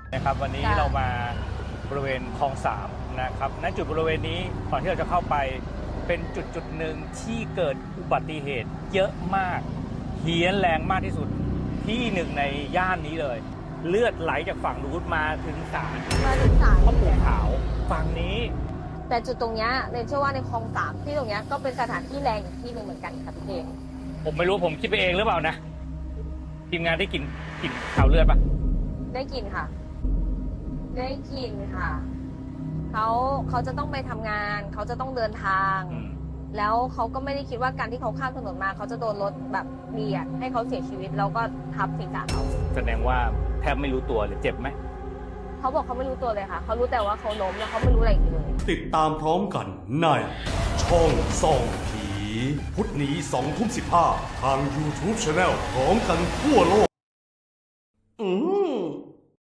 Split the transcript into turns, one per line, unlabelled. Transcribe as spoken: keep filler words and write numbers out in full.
นะครับวันนี้เรามาบริเวณคลองสามนะครับณจุดบริเวณนี้ก่อนที่เราจะเข้าไปเป็นจุดจุดหนึ่งที่เกิดอุบัติเหตุเยอะมากเฮี้ยนแรงมากที่สุดที่หนึ่งในย่านนี้เลย เลือดไหลจากฝั่งนู้นมาถึงศาล
มาถึงศาล
พ่อปู่ขาวฝั่งนี้
แต่จุดตรงเนี้ยเรนเชื่อว่าในคลองสามที่ตรงเนี้ยก็เป็นสถานที่แรงอีกที่หนึ่งเหมือนกันค่ะพี่เอก
ผมไม่รู้ผมคิดไปเองหรือเปล่านะทีมงานได้กลิ่นกลิ่นข่าวเลือดปะ
ได้กินค่ะ ได้กินค่ะเขาเขาจะต้องไปทำงาน เขาจะต้องเดินทาง
อืม
แล้วเขาก็ไม่ได้คิดว่าการที่เขาข้ามถนนมาเขาจะโดนรถแบบเบียดให้เขาเสียชีวิตแล้วก็ทับศีรษะเขา
แสดงว่าแทบไม่รู้ตัวเลยเจ็บไหม
เขาบอกเขาไม่รู้ตัวเลยค่ะเขารู้แต่ว่าเขาล้มแล้วเขาไม่รู้อะไรอีกเลย
ติดตามพร้อมกันในช่องส่องผี พุธนี้สองทุ่มสิบห้าทาง YouTube Channel พร้อมกันทั่วโลก อืม